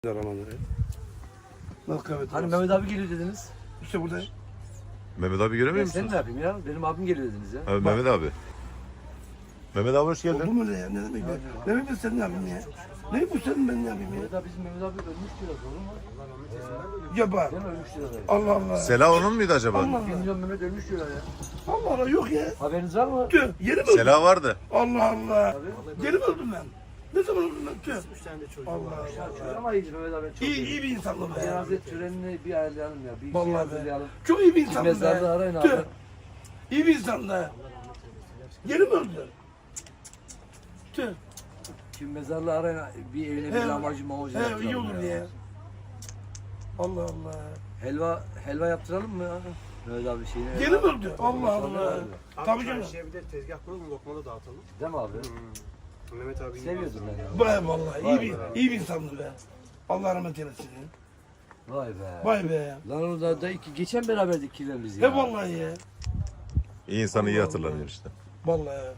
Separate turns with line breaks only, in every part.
Aramanları. Nasıl kahve?
Hani Mehmet abi geliyor dediniz.
İşte burada.
Mehmet abi göremiyor
Ben sen
musunuz?
ne yapayım ya? Benim abim geliyor dediniz ya.
Abi, Mehmet abi. Mehmet abi hoş
Oldu
geldin.
mu ne ya? Ne demek ya? Ne demek sen ne yapayım ya? Ne bu sen ben ne yapayım ya?
Mehmet abi bizim Mehmet abi ölmüş diyor. Doğru mu?
Ya bak.
Değil mi ölmüş diyorlar.
Allah Allah.
Sela onun muydu acaba?
Allah
1 milyon Mehmet ölmüş diyorlar ya.
Allah Allah yok ya.
Haberiniz var mı?
Tüh yeni mi öldüm?
Sela vardı.
Allah Allah. Yeni mi öldüm ben? Ne zaman öldüm ben? Tüh.
3 tane de çocuğu
Allah
var.
Allah.
Ama iyice Mehmet abi çok
İyi bir insanım be.
Cenaze törenini bir ayarlayalım ya. Bir şey
Vallahi be.
hazırlayalım.
Çok iyi bir
Kim
insanım
mezarda
be.
arayın abi.
Tüh. İyi bir insan da. Yeni mi öldüm? Tüh.
Kim mezarda arayın bir evine bir
He.
lahmacun mamacun
He iyi olur ya. Allah Allah.
Helva yaptıralım mı ya? Mehmet abi şeyini.
Yeni mi öldü? Allah Allah.
Abi
Tabii canım.
çarşıya bir de tezgah kuralım, lokma da dağıtalım.
Değil mi abi?
Mehmet abi
Seviyordum ben ya.
Vay vallahi iyi bir insandı be. Allah rahmet eylesin.
Vay be.
Vay be.
Lan orada da geçen beraberdik kirlerimiz ya.
He vallahi ya.
İyi insanı iyi hatırlanıyor işte.
Vallahi.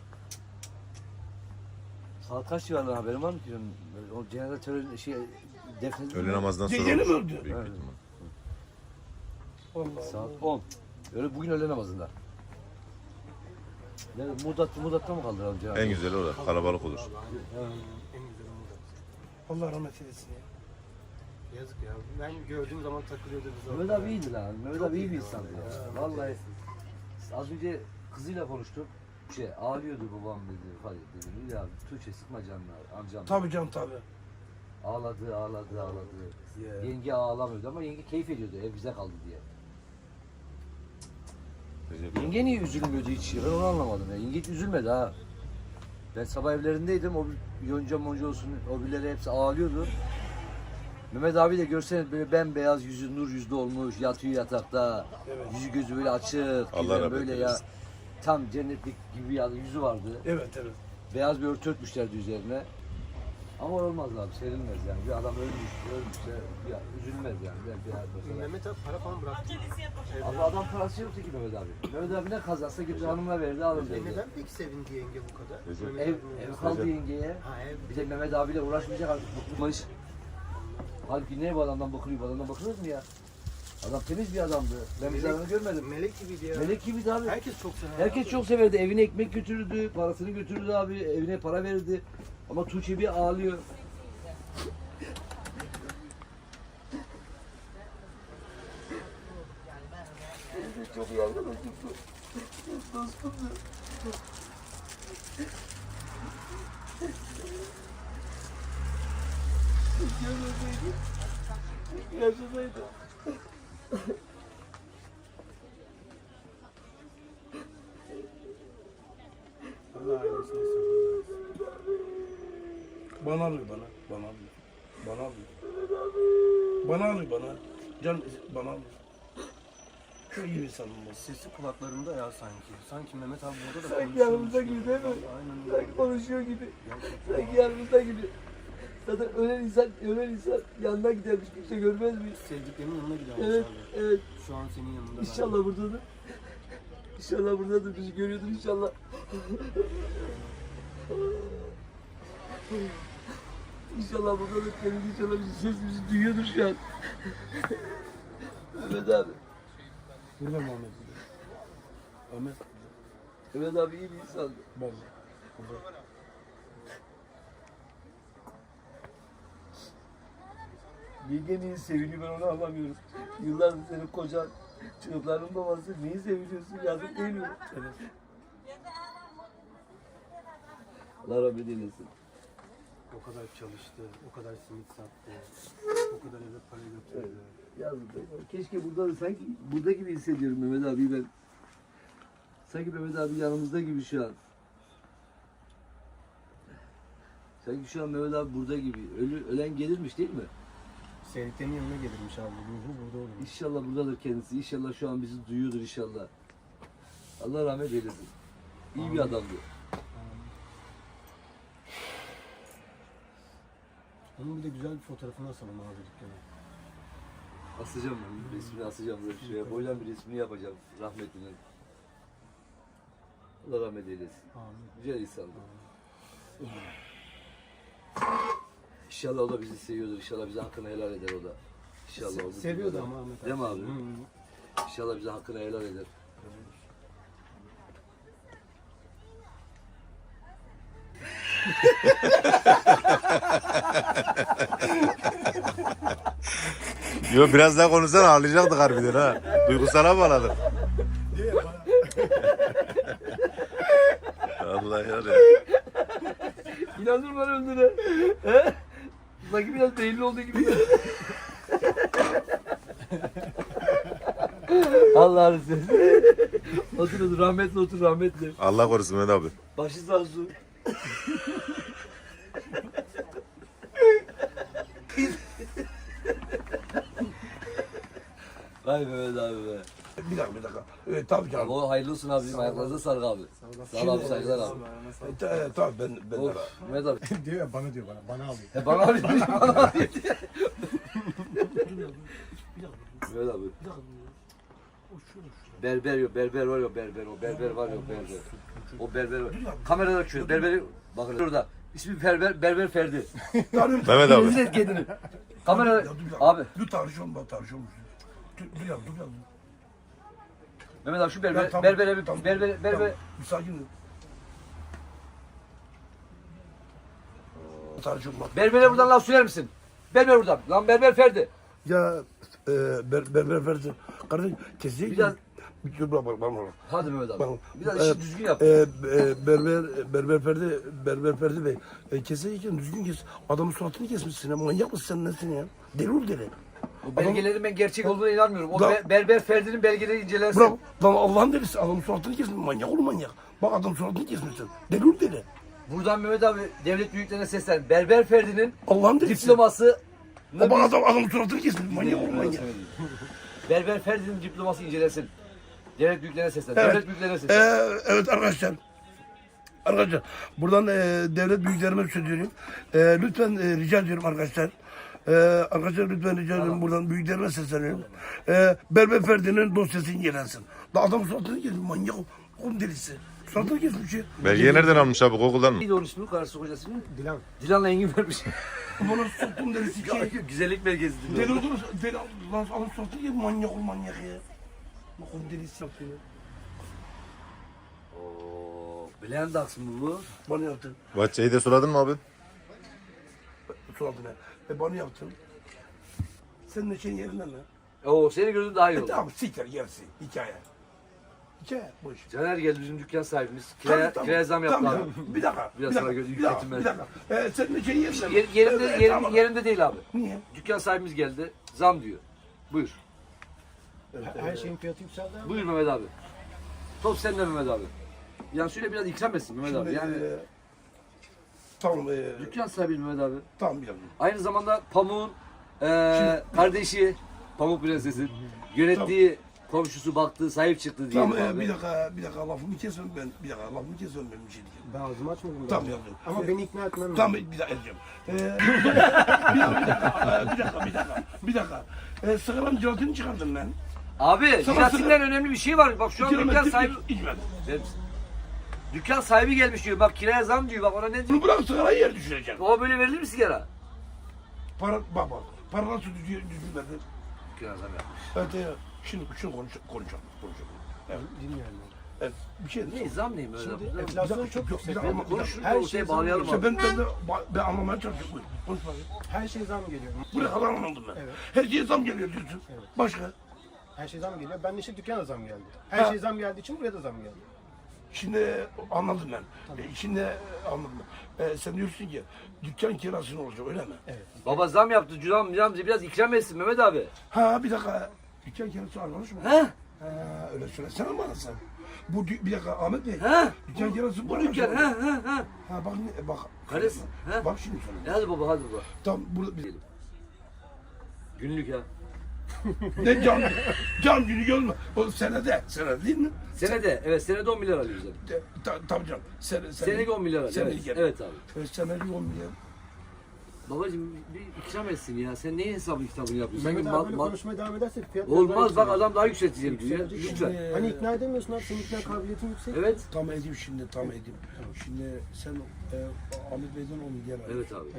Saat kaç civarında haberin var mı ki? O cenaze töreni defnedildi
Öğle
mi?
namazdan sonra
Yeni mi
olur.
öldü?
Büyük bir
Evet.
ihtimal.
Vallahi.
Saat 10. Öyle bugün öğle namazında. Ne, Mudat'ta mı kaldıralım cenazı?
En güzeli orada. Kalabalık olur.
En güzel
Allah rahmet eylesin ya.
Yazık ya. Ben gördüğüm zaman takılıyordu bize.
Mehmet abi iyiydi lan. Mehmet abi iyi bir insandı ya. Vallahi az önce kızıyla konuştum. Ağlıyordu babam dedi. Hadi dedim. Ya Tuğçe sıkma canını amcam.
Tabii canım tabii.
Ağladı.
Yeah.
Yenge ağlamıyordu ama yenge keyif ediyordu ev bize kaldı diye. Yenge niye üzülmüyordu hiç? Ben onu anlamadım ya. Yenge hiç üzülmedi ha. Ben sabah evlerindeydim. O yonca monca olsun. O birileri hepsi ağlıyordu. Mehmet abi de görseniz böyle bembeyaz yüzü nur yüzlü olmuş. Yatıyor yatakta. Yüzü gözü böyle açık.
Allah rahmet
böyle ya.
eylesin.
Tam cennetlik gibi ya yüzü vardı.
Evet evet.
Beyaz bir örtü örtmüşlerdi üzerine. Ama olmaz abi, serilmez yani. Bir adam ölmüşse ya, üzülmez yani. Bir
Mehmet abi para falan bıraktı.
Abi adam parası yoktu ki Mehmet abi. Mehmet abi ne kazansa gitti hanımına verdi alın dedi.
Neden peki sevindi yenge bu kadar?
Recep.
Mehmet
Ev,
abinin
ev
yanında.
kaldı yengeye.
Ha ev.
Bir de Mehmet abiyle uğraşmayacak artık bıkmış. Halbuki ne bu adamdan bakılıyor, bu adamdan bakılır mı ya? Adam temiz bir adamdı. Ben bir zararını görmedim.
Melek gibiydi ya.
Melek gibiydi abi.
Herkes çok sever.
Herkes çok severdi. Evine ekmek götürürdü, parasını götürürdü abi. Evine para verirdi. Ama Tuğçe bir ağlıyor. Çok iyi arkadaşım. Dostumdu. Yaşasaydı.
Allah ailesine sabır versin.
Bana alıyor bana. Bana alıyor. Bana alıyor. Bana alıyor bana. Can bana alıyor. Çok iyi bir insanım bu.
Sesi kulaklarında ya sanki. Sanki Mehmet abi burada da
Sanki
konuşuyor.
yanımızda gibi değil mi?
Aynen öyle.
Sanki konuşuyor gibi. Sanki yanımızda gibi. Zaten ölen insan yanına gidermiş, kimse görmez mi?
Sevdiklerinin yanına gidermiş
Evet,
abi.
evet.
Şu an senin yanında.
İnşallah buradadır. İnşallah buradadır, bizi görüyordur inşallah. İnşallah buradadır, kendisi inşallah sesimizi duyuyordur şu an. Mehmet abi.
Burada mı Ahmet? Ahmet.
Mehmet abi iyi bir insandı.
Vallahi. Burada.
Yenge niye seviniyor ben onu anlamıyorum. Yıllardır senin kocan, çocukların babası niye seviniyorsun yazık değil mi?
Evet.
Allah rahmet eylesin.
O kadar çalıştı, o kadar simit sattı, o kadar eve para götürdü.
Yazık değil mi? Keşke burada sanki burada gibi hissediyorum Mehmet abi ben. Sanki Mehmet abi yanımızda gibi şu an. Sanki şu an Mehmet abi burada gibi. Ölen gelirmiş değil mi?
Sevdiklerinin yanına gelirmiş abi. Ruhu burada olurmuş.
İnşallah buradadır kendisi. İnşallah şu an bizi duyuyordur inşallah. Allah rahmet eylesin. İyi bir adamdı.
Onun bir de güzel bir fotoğrafını asalım abi dükkana.
Asacağım ben. Resmini asacağım böyle şuraya. Boydan bir resmini yapacağım rahmetinin. Allah rahmet eylesin.
Amin.
Güzel insandı. İnşallah o da bizi seviyordur. İnşallah bize hakkını helal eder o da. İnşallah o da.
Seviyordu ama Ahmet abi.
Değil mi abi? İnşallah bize hakkını helal eder.
Yo biraz daha konuşsan ağlayacaktık harbiden ha. Duygusala bağladık. Allah ya.
İnandırma öldüre. He? Sanki biraz belli olduğu gibi. Allah'ını seversen. Otur rahmetli otur rahmetli.
Allah korusun Mehmet abi.
Başı sağ olsun. Vay Mehmet abi be.
Bir dakika. Tabii ki
Abi
abi.
o hayırlı olsun abi. Bizim ayaklarınıza sağlık abi. Sağ ol abi saygılar abi.
Tabii ben
Of Mehmet abi.
diyor ya bana diyor bana alıyor.
He bana abi. Bana abi. Mehmet abi. Berber yok, berber var yok, berber o berber var yok, berber. O berber var. Kamerada açıyor, berberi bakın orada. İsmi berber Ferdi.
Mehmet abi.
Rezil et kendini. Kamera
Ya dur bir dakika.
abi.
Dur tartışalım bak tartışalım. Dur ya.
Mehmet abi şu
Ya,
berber
tamam,
berbere bir
tamam,
berber
tamam. Bir sakin ol. Tartışalım bak.
berbere buradan laf söyler misin? Berber buradan. Lan berber Ferdi.
Ya berber versin. Kardeşim kesin.
Biraz-
Dur bak.
Hadi Mehmet abi.
Bak.
Biraz işi düzgün yap.
Berber Ferdi Bey. Keserken düzgün kes. Adamın suratını kesmişsin ya. Manyak mısın sen nesin ya? Deli ol deli.
O belgelerin ben gerçek olduğuna inanmıyorum. O
Lan-
berber Ferdi'nin belgeleri incelensin.
Bravo. Lan Allah'ın delisi. Adamın suratını kesmiş. Manyak ol manyak. Bak adam suratını kesmişsin. Deli ol deli.
Buradan Mehmet abi devlet büyüklerine seslen. Berber Ferdi'nin
Allah'ın delisi.
diploması
Bak adamın suratını kesmiş. Manyak ol manyak.
Berber Ferdi'nin diploması incelensin. Devlet büyüklerine seslen.
Evet.
Devlet büyüklerine seslen.
Evet arkadaşlar. Buradan devlet büyüklerime söylüyorum. Lütfen rica ediyorum arkadaşlar. Arkadaşlar lütfen rica ediyorum buradan büyüklerime sesleniyorum. Berber Ferdi'nin dosyası incelensin. Da adam suratını kesmiş manyak oğlum delisi. Suratını kesmiş ya.
Belgeyi nereden almış abi? Google'dan mı?
Neydi onun ismi? Karısı kocası mı?
Dilan.
Dilan'la Engin vermiş.
Bana soktum delisi ki.
Güzellik belgesi.
Deli olur. Deli lan adam suratını kesmiş manyak ol manyak ya. Bak oğlum delisi yapıyor.
Ooo. Blendax mı bu?
Bana yaptın.
Bahçeyi de suladın mı abi?
Suratına. Bana yaptın. Senin de şeyin yerinden mi?
Oo seni gördüm daha iyi oldu.
Tamam siktir gelsin. Hikaye. Hikaye boş.
Caner geldi bizim dükkan sahibimiz.
Tamam,
Kiraya zam yaptı
tamam,
abi.
Bir dakika.
Biraz
bir
sonra
dakika,
gözü
bir dakika,
yükletim
bir
ben.
dakika. Senin de şeyin yerinden mi?
Yerinde,
Tamam.
yerinde değil abi.
Niye?
Dükkan sahibimiz geldi. Zam diyor. Buyur.
Her şeyin fiyatı yükseldi abi.
Buyur Mehmet abi. Top sende Mehmet abi. Yani şöyle biraz ikram etsin Mehmet abi.
Şimdi,
Yani
tamam.
dükkan sahibi Mehmet abi.
Tamam bir dakika.
Aynı zamanda Pamuk'un kardeşi, Pamuk Prenses'in yönettiği, komşusu baktığı, sahip çıktı diyelim
Tamam
abi.
bir dakika lafımı kesmem ben. Bir dakika lafımı kesmem ben bir şey diyeceğim.
Ben ağzımı açmadım.
Tamam
daha.
yaptım.
Ama beni ikna etmem
Tamam
lazım.
bir dakika edeceğim. Bir dakika. Sıkılan jelatini çıkardım ben.
Abi
Sana
jelatinden önemli bir şey var. Bak şu an dükkan sahibi...
İçmedim.
Verir misin? Dükkan sahibi gelmiş diyor. Bak kiraya zam diyor. Bak ona ne diyor?
Bunu bırak sigarayı yer düşürecek.
O böyle verilir mi sigara?
Para bak. Para nasıl düşürmedi?
Kiraya zam yapmış.
Evet. Şimdi konuşalım. Evet.
Dinliyorum.
Evet. Bir şey
Ne zam neyim öyle?
Şimdi
Zam-
enflasyon çok yüksek.
bir dakika,
Ama konuşuruz da
Her
o
şey
şeye
zam
bağlayalım
İşte
abi.
ben anlamaya çalışıyorum. Buyur. Konuş bakayım.
Her şey zam geliyor.
Buraya kadar anladım ben.
Evet.
Her şeye zam geliyor diyorsun.
Evet.
Başka?
Her şey zam geliyor. Ben de işte dükkana zam geldi. Her
Ha.
şey zam geldiği için buraya da zam geldi.
Şimdi anladım ben. Şimdi anladım ben. Sen diyorsun ki dükkan kirası ne olacak öyle mi?
Evet.
Baba zam yaptı. Cüzdan biraz ikram etsin Mehmet abi.
Ha bir dakika. Dükkan kirası arkadaş mı?
He?
Ha öyle söylesene bana sen. Bir dakika Ahmet Bey.
He?
Dükkan kirası
Bu dükkan. He he he.
Ha bak.
Karısı, he?
Bak şimdi sana.
Hadi baba hadi baba.
Tam burada bir...
Günlük ya.
Ne cam günü görme. O senede değil mi?
Senede evet senede 10 milyar alıyoruz abi.
Tabii canım.
Senelik 10 milyar alıyoruz.
Senelik
Evet,
yani.
evet abi.
Senelik 10 milyar.
Babacım bir ikram etsin ya. Sen neyin hesabı kitabını yapıyorsun?
Mehmet
Sanki
abi böyle konuşmaya devam edersek fiyat
Olmaz bak adam daha yükselteceğim diyor ya.
Yükselecek.
Lütfen.
Hani ikna edemiyorsun abi. Senin ikna kabiliyetin yüksek.
Evet.
Tam edeyim şimdi. Şimdi sen Ahmet Bey'den 10 milyar alıyorsun.
Evet abi.
Evet.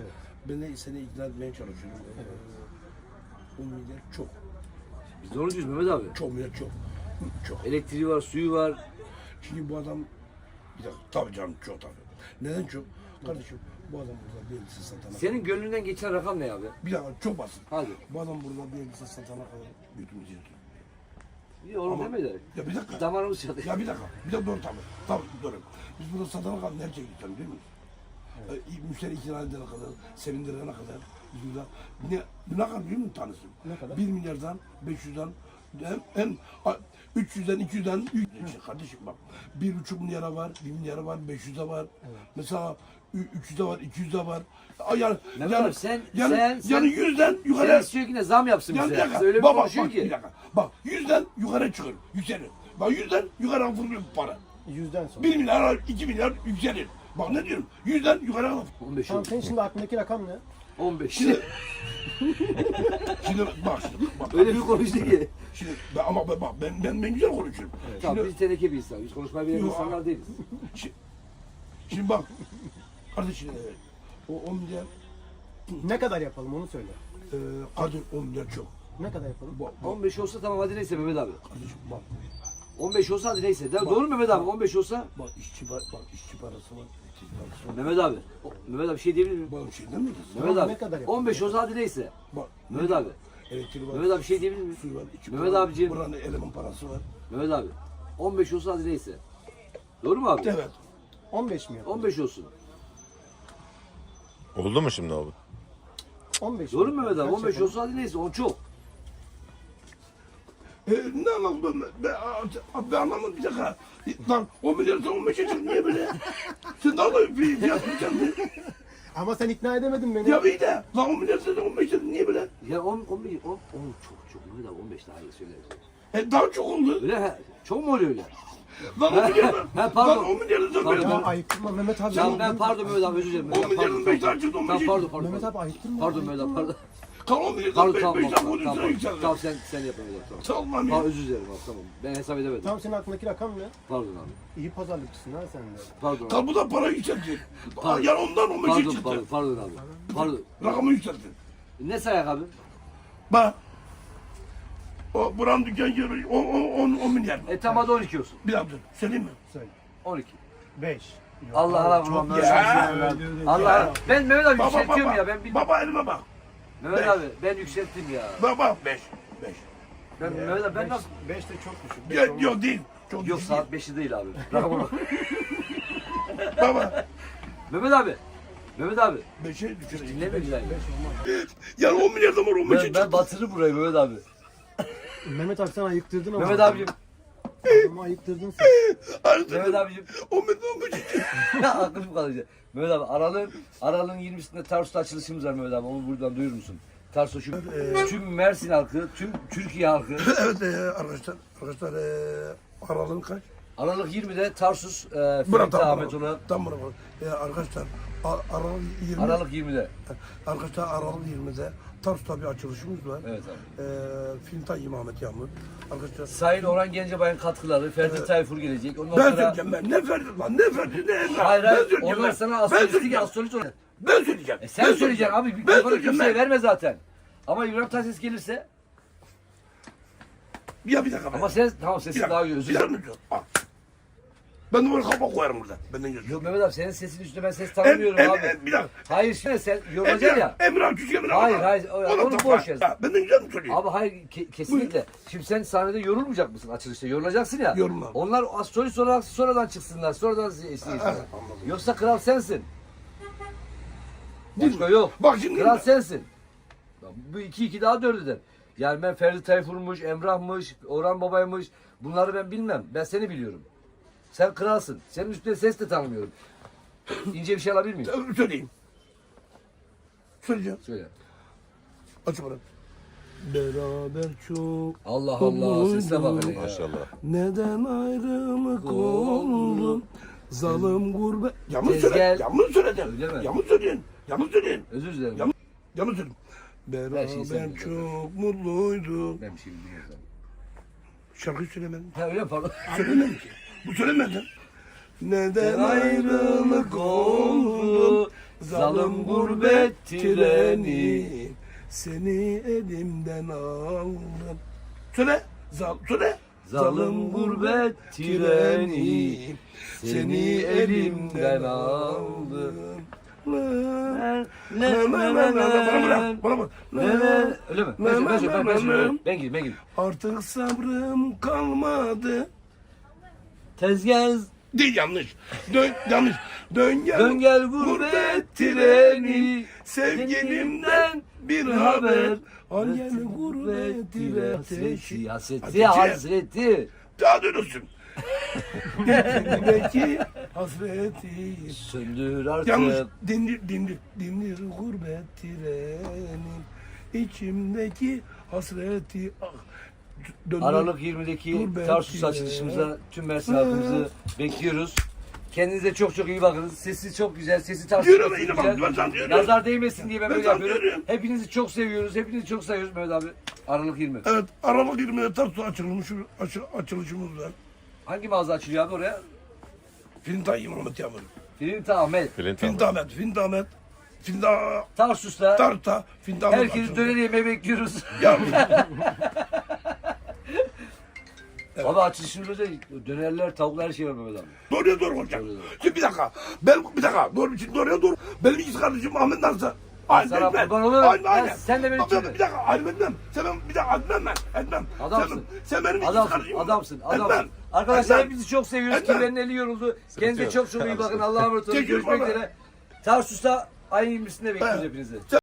Ben de seni ikna etmeye çalışıyorum. 10 milyar çok.
Biz doğru diyoruz Mehmet abi.
Çok milyar çok. Çok.
Elektriği var, suyu var.
Şimdi bu adam bir dakika tabii canım çok tabii. Neden çok? Kardeşim bu adam burada bir elbise satana
Senin gönlünden geçen rakam ne abi?
bir dakika çok basit.
Hadi.
Bu adam burada bir elbise satana kadar götümüzü yırtıyor.
İyi oğlum
Ama-
deme de.
Ya bir dakika.
Damarımız çalıyor.
Ya bir dakika. Bir de doğru tabii. Tabii doğru. Biz burada satana kadar nereye gideceğim değil mi? Müşteri ikna edene kadar, sevindirene kadar. Biz burada ne kadar biliyor musun tanesi?
Ne kadar?
1 milyardan, 500'den, hem 300'den, 200'den, kardeşim bak. 1,5 milyara var, 1 milyara var, 500'e var. Mesela 300'de var, 200'de var. Yani,
Mehmet abi sen-
yani 100'den
Sen
yukarı.
istiyor ki ne zam yapsın
Yani bir
bize.
dakika.
Öyle bir
Bak,
konuşuyor
bak,
ki.
bir dakika. Bak 100'den yukarı çıkıyor, yükselir. Bak 100'den yukarı fırlıyor bu para.
100'den sonra.
1 milyar, 2 milyar yükselir. Bak ne diyorum? 100'den yukarı alır.
15
Tamam
oldu.
senin şimdi aklındaki rakam ne?
15.
Şimdi, şimdi bak şimdi. Bak,
Öyle bir konuştu ki.
Şimdi ama bak ben güzel konuşuyorum.
Tamam
Şimdi,
biz teneke bir insan. Biz konuşmayı bilen
Yok,
insanlar değiliz.
şimdi bak. Kardeşim o 10 milyar
Ne kadar yapalım onu söyle.
kardeşim 10 milyar çok.
Ne kadar yapalım?
Bak,
15 olsa tamam hadi neyse Mehmet abi.
kardeşim bak.
15 olsa hadi neyse. Doğru mu Mehmet abi? 15 olsa
Bak işçi parası var. İşçi parası var.
Mehmet abi. Mehmet abi bir şey diyebilir miyim?
Bak şey demeyiz.
Mehmet
ne
abi.
kadar yapalım?
15 olsa hadi neyse.
Bak.
Mehmet abi.
Elektrik var.
Mehmet abi bir şey diyebilir miyim?
Su var. içi
Mehmet
var.
abiciğim.
Buranın eleman parası var.
Mehmet abi. 15 olsa hadi neyse. Doğru mu abi?
Evet.
15 mi yapalım?
15 olsun.
Oldu mu şimdi abi?
15
Doğru mu
mi?
Mehmet abi?
Kaç
15
yapalım?
olsa hadi neyse. O çok.
Ne anladım ben anlamadım bir dakika. Lan 10 milyarsa 15'e çık niye böyle? Sen daha da bir fiyat mı
Ama sen ikna edemedin beni.
Ya iyi de lan 10 milyarsa 15'e niye böyle?
Ya 10 çok Mehmet abi 15 daha iyi söyle.
Daha çok oldu.
Öyle he. Çok mu oluyor öyle?
Lan 10 milyar.
Ha, pardon.
Lan 10 milyarsa
Pardon.
Ya
15'e.
ayıktırma Mehmet abi.
Tamam ben pardon Mehmet abi özür dilerim.
10 milyarın
Pardon,
5
pardon.
tane çıktı
Tamam
15'e.
pardon.
Mehmet abi ayıktırma.
Pardon Mehmet abi pardon.
Kan 10 milyardan
Pardon
5
tamam
tane
tamam
üstüne
tamam.
yükseldi.
Tamam sen yap Mehmet abi tamam.
Tamam
Pardon
ya.
özür dilerim abi tamam. Ben hesap edemedim.
Tamam senin aklındaki rakam ne?
Pardon abi.
İyi pazarlıkçısın ha sen de.
Pardon abi.
Kan bu da para yükseltti.
Pardon.
Yani ondan 15'e
Pardon
çıktı.
pardon abi. Pardon.
Rakamı yükseltti.
Ne sayak abi?
Bak. O buranın dükkan yeri 10 milyar.
Tamam hadi 12 olsun.
Bir dakika söyleyeyim mi?
Söyle.
12.
5.
Allah Allah vurmam böyle.
Ya.
Allah. Ben Mehmet abi
Baba
yükseltiyorum
baba.
ya ben bilmiyorum.
Baba elime bak.
Mehmet
beş.
abi ben yükselttim ya.
Baba 5.
Ben Mehmet abi ben nasıl?
5 de çok düşük. Beş olmaz.
Yok değil. Çok
Yok
düşük
saat 5'i değil abi. Rakama bak.
değil. Baba.
Mehmet abi. Mehmet abi.
5'e düşüreyim.
Dinleme güzel.
Yani 10 milyardan var 15'e
Ben
çıktı.
batırırım burayı Mehmet abi.
Mehmet abi sen ayıktırdın ama.
Mehmet abicim.
Adamı ayıktırdın sen.
Mehmet abicim.
10 milyardan 15'e çıktı.
Aklım kalacak. Mehmet abi aralığın 20'sinde Tarsus'ta açılışımız var Mehmet abi. Onu buradan duyurur musun? Tarsus tüm Mersin halkı, tüm Türkiye halkı.
Evet arkadaşlar. Aralığın kaç?
Aralık 20'de Tarsus
Bırak
Ferit
tamam.
Ahmet olan
Tam buna bak. Arkadaşlar Aralık 20.
Aralık 20'de.
Arkadaşlar Aralık 20'de Tarsus'ta bir açılışımız var.
Evet abi.
Filmtay İmamet Yağmur. Arkadaşlar
Sayın Orhan Gencebay'ın katkıları, Ferdi Tayfur gelecek. Ondan
ben
sonra...
söyleyeceğim ben. Ne Ferdi lan ne Ferdi ne Emrah.
Hayır
Ben
hayır,
söyleyeceğim
onlar
ben.
sana
Ben
astrolojik
söyleyeceğim.
astrolojik.
Ben söyleyeceğim.
Sen
Ben
söyleyeceksin abi.
Ben
Ben
söyleyeceğim
kimseye
ben.
verme zaten. Ama İbrahim Tatlıses gelirse...
Ya bir dakika.
Ama sen, tamam sesin daha iyi, özür
Bir
dilerim.
dakika. Al. Ben de böyle kafa koyarım burada. Benden gözüm.
Yok Mehmet abi senin sesin üstüne ben ses tanımıyorum abi.
Bir dakika.
Hayır şimdi sen yorulacaksın ya.
Emrah Küçük Emrah.
Hayır, hayır, onu boş ver.
Benden güzel mi söylüyor?
Abi hayır kesinlikle. Şimdi sen sahnede yorulmayacak mısın açılışta? Yorulacaksın ya.
Yorulmam.
Onlar astrolojik olarak sonradan çıksınlar. Sonradan izlesinler.
anladım.
Yoksa kral sensin. Başka yok.
Bak şimdi.
Kral sensin. Bu 2-2 daha 4 eder. Yani ben Ferdi Tayfur'muş, Emrah'mış, Orhan Baba'ymış. Bunları ben bilmem. Ben seni biliyorum. Sen kralsın. Senin üstüne ses de tanımıyorum. İnce bir şey alabilir miyim?
Söyleyeyim. Söyleyeceğim.
Söyle.
Aç bana. Beraber çok
Allah Allah sesine bak hele ya.
Maşallah.
neden ayrılık oldu? Zalim gurbet. Yanlış
Tezgah-
söyle. Yanlış söyledin.
Öyle mi?
Yanlış söyledin. Yanlış söyledin.
Özür dilerim.
Yanlış Yanlış söyledin.
Her şeyi sen
Beraber
biliyorsun.
çok mutluyduk.
Ben bir şey bilmiyorum.
Şarkıyı söylemedim.
Ha öyle mi? Pardon.
Söylemedim ki. Bu söylemedin. Neden ayrılık oldu?
Zalim gurbet treni.
Seni elimden aldım. Söyle. Söyle.
Zalim gurbet treni. Seni elimden aldım.
Bana bak.
Öyle mi? Ben söyleyeyim. Ben gireyim.
Artık sabrım kalmadı.
Tezgah
Değil, yanlış. Yanlış. Dön
gel gurbet treni.
Sevgilimden bir haber. Al gel gurbet treni.
Hasreti.
Daha dönürsün. İçimdeki hasreti.
Söndür artık.
Yanlış. Dindir gurbet trenin. İçimdeki hasreti. Döndür.
Aralık 20'deki
Gurbet
Tarsus
treni.
açılışımıza tüm Mersin halkımızı bekliyoruz. Kendinize çok çok iyi bakınız. Sesi çok güzel. Sesi Tarsus
Diyorum,
çok
yine bak,
güzel.
ben sana diyorum.
Nazar değmesin diye ben
Ben
böyle
sana
yapıyorum.
diyorum.
Hepinizi çok seviyoruz. Hepinizi çok seviyoruz Mehmet abi. Aralık 20.
Evet, Aralık 20'de Tarsus açılışımız var.
Hangi mağaza açılıyor abi oraya?
Fintay Mehmet Yağmur.
Filinta Ahmet.
Fintamet.
Tarsus'ta
Tarta. Fintamet.
herkesi döner yemeğe bekliyoruz.
Ya,
Abi açılışımızda dönerler, tavuklar her şey var Mehmet abi.
doğruya doğru olacak.
Doğruya doğru.
Şimdi bir dakika. Doğruya doğru. Benim ikiz kardeşim Ahmet nasıl?
Sana kurban olurum. Sen de beni
Bak,
söyle.
bir dakika, ayrım etmem. Bir dakika, etmem.
Adamsın.
Sen benim ikiz kardeşim.
Adamsın.
Etmem.
Arkadaşlar
Etmem.
hepinizi çok seviyoruz.
Etmem.
Kimlerin eli yoruldu. Kendinize
yok.
çok çok iyi bakın. Allah'a emanet olun.
Teşekkür
Görüşmek
baba.
üzere. Tarsus'ta ayın 20'sinde bekliyoruz
Evet.
hepinizi.